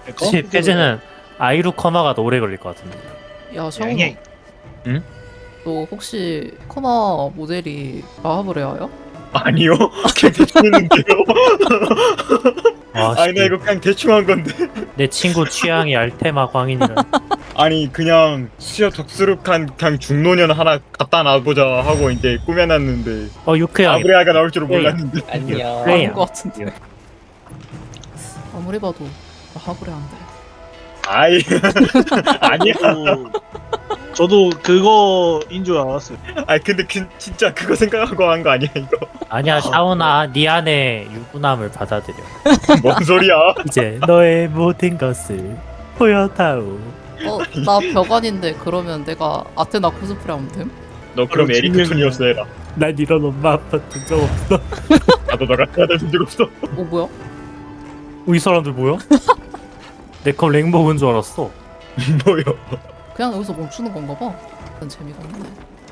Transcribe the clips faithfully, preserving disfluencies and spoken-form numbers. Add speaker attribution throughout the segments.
Speaker 1: 혹시 패즈는 아이루 커마가 더 오래 걸릴 것 같은데.
Speaker 2: 야 샤오나
Speaker 3: 양양.
Speaker 1: 응?
Speaker 2: 너 혹시 커마 모델이 라하브레아야?
Speaker 3: 아니요. 그냥 대충 했는데요.
Speaker 1: 아,
Speaker 3: 아니 나 이거 그냥 대충 한 건데.
Speaker 1: 내 친구 취향이 알테마 광인이라.
Speaker 3: 아니 그냥 수저 덕스룩한 그냥 중노년 하나 갖다 놔보자 하고 이제 꾸며놨는데
Speaker 1: 어 유크 형이.
Speaker 3: 아브레아가 나올 줄은
Speaker 1: 네.
Speaker 3: 몰랐는데.
Speaker 4: 안녕.
Speaker 1: 그래.
Speaker 2: 아닌 것 같은데 아무리 봐도 라하브레아인데
Speaker 3: 아이 아니야.
Speaker 5: 저도 그거인 줄 알았어요.
Speaker 3: 아니 근데 그, 진짜 그거 생각하고 한 거 아니야 이거?
Speaker 1: 아니야 샤오나 네 안에 유부남을 받아들여.
Speaker 3: 뭔 소리야?
Speaker 1: 이제 너의 모든 것을 보여다오.
Speaker 2: 어? 나 벽안인데 그러면 내가 아테나 코스프레 하면 됨?
Speaker 3: 너 그럼
Speaker 5: 바로
Speaker 3: 에리크
Speaker 5: 증명이야.
Speaker 3: 톤이었어 해라.
Speaker 1: 난 이런 엄마 아빠 본 적 없어.
Speaker 3: 나도 너랑 해야 적 없어.
Speaker 2: 어 뭐야?
Speaker 1: 이 사람들 뭐야? 내컵 랭 먹은 줄 알았어.
Speaker 3: 뭐요?
Speaker 2: 그냥 여기서 멈추는 건가 봐. 그건 재미가 없네.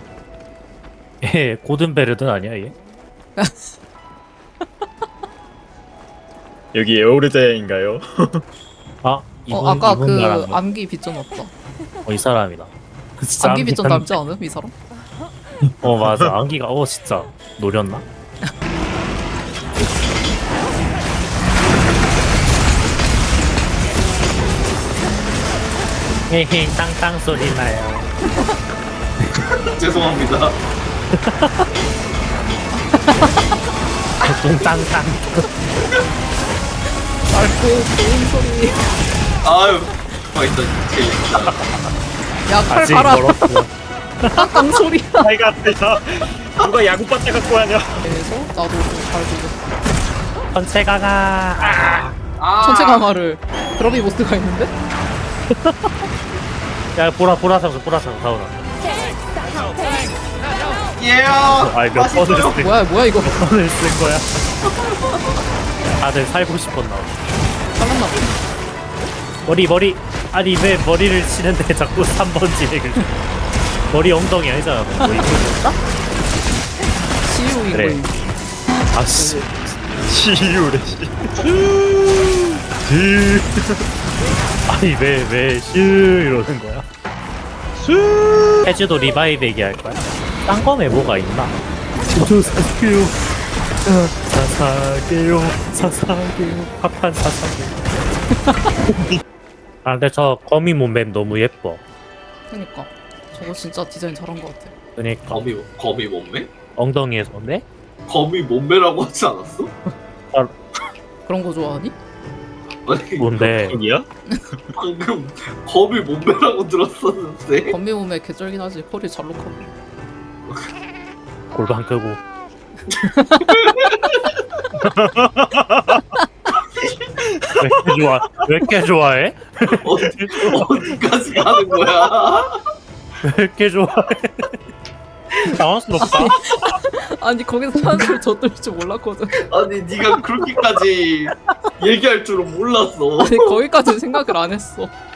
Speaker 1: 얘 고든베르든 아니야 얘?
Speaker 3: 여기 에오르자야인가요?
Speaker 1: 아 이분
Speaker 2: 어 아까
Speaker 1: 이분
Speaker 2: 그
Speaker 1: 말하는 거.
Speaker 2: 암기 빗전없다.
Speaker 1: 어, 이 사람이다. 진짜
Speaker 2: 암기 빗전
Speaker 1: 암기
Speaker 2: 닮지 않음? 이 사람?
Speaker 1: 어 맞아 안기가 어 진짜 노렸나? 헤헤 땅땅 소리 나요.
Speaker 4: 죄송합니다.
Speaker 1: 똥땅땅.
Speaker 2: 맑고 고운 소리.
Speaker 4: 아유, 맛있다 진짜.
Speaker 2: 야칼
Speaker 1: 아직
Speaker 2: 가라.
Speaker 1: 멀었고.
Speaker 2: 땅땅 소리야.
Speaker 3: 아이가 앞에서 누가 야구바타 갖고 하냐?
Speaker 2: 그래서 나도 좀잘 보고.
Speaker 1: 전체 강아. 아.
Speaker 4: 아,
Speaker 2: 천체 강화를 드러비 모스가 있는데?
Speaker 1: 야 보라 보라 상수 보라 상수 사오라.
Speaker 4: 예.
Speaker 1: 아이 몇 번을 쓴
Speaker 2: 뭐야 뭐야 이거.
Speaker 1: 몇 번을 쓴 거야? 다들 살고 싶었나 봐.
Speaker 2: 잘랐나 보네.
Speaker 1: 머리 머리 아니 왜 머리를 치는데 자꾸 삼 번 진행을 해? 머리 엉덩이 아니잖아. 뭐 이거 뭐였다?
Speaker 2: 시우 이거.
Speaker 1: 그래. 아씨.
Speaker 3: 시유래 시.
Speaker 1: 아니 왜왜슈 이러는 거야? 슈. 해주도 리바이브 얘기할 거야? 딴 거에 뭐가 있나? 저도 사사게요. 사사게요. 사사게요. 파판 사사게요. 아 근데 저 거미 몸맵 너무 예뻐.
Speaker 2: 그니까 저거 진짜 디자인 잘한 것 같아.
Speaker 1: 그니까
Speaker 4: 거미 거미 몸매?
Speaker 1: 엉덩이에서인데?
Speaker 4: 거미 몸매라고 하지 않았어?
Speaker 2: 그런 거 좋아하니?
Speaker 4: 아니
Speaker 1: 뭔데?
Speaker 3: 여기야?
Speaker 4: 방금 거미 몸매라고 들었었는데.
Speaker 2: 건미 몸에 개쩔긴 하지. 허리 잘록하고.
Speaker 1: 골반 끄고. 왜 이렇게 좋아? 왜 이렇게 좋아해?
Speaker 4: 어디 어디까지 가는 거야?
Speaker 1: 왜 이렇게 좋아해? 당황스럽다.
Speaker 2: 아니 거기서 사람들 젖들 줄 몰랐거든.
Speaker 4: 아니 네가 그렇게까지 얘기할 줄은 몰랐어.
Speaker 2: 아니 거기까지 생각을 안 했어.